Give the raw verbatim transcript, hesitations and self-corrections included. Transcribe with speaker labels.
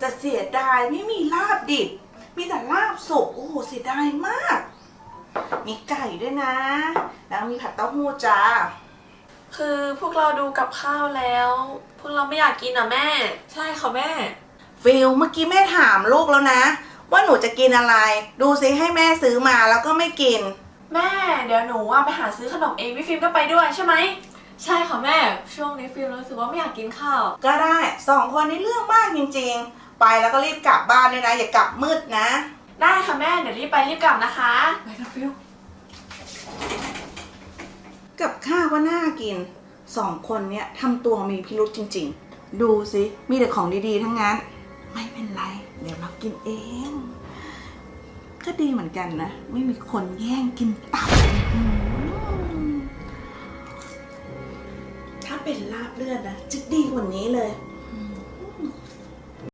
Speaker 1: แต่เสียดายไม่มีลาบดิบมีแต่ลาบสุกโอ้โหเสียดายมากมีไก่ด้วยนะแล้วมีผัดเต้าหู้จ้า
Speaker 2: คือพวกเราดูกับข้าวแล้ว พวกเราไม่อยากกินอ่ะแม่
Speaker 3: ใช่ค่ะแม่
Speaker 1: ฟิลเมื่อกี้แม่ถามลูกแล้วนะว่าหนูจะกินอะไรดูซิให้แม่ซื้อมาแล้วก็ไม่กิน
Speaker 2: แม่เดี๋ยวหนูว่าไปหาซื้อขนมเองพี่ฟิล์มก็ไปด้วยใช่ไหม
Speaker 3: ใช่ค่ะแม่ช่วงนี้ฟิล์มรู้สึกว่าไม่อยากกินข้าว
Speaker 1: ก็ได้สองคนนี้เรื่องมากจริงๆไปแล้วก็รีบกลับบ้านเลยนะอย่ากลับมืดนะ
Speaker 2: ได้ค่ะแม่เดี๋ยวรีบไปรีบกลับนะคะ
Speaker 3: ไปกันฟิล
Speaker 1: กับข้าวว่าน่ากินสองคนเนี้ยทำตัวมีพิรุธจริงๆดูสิมีแต่ของดีๆทั้งนั้นไม่เป็นไรเดี๋ยวเรากินเองก็ดีเหมือนกันนะไม่มีคนแย่งกินตับถ้าเป็นลาบเลือดนะจะดีกว่านี้เลย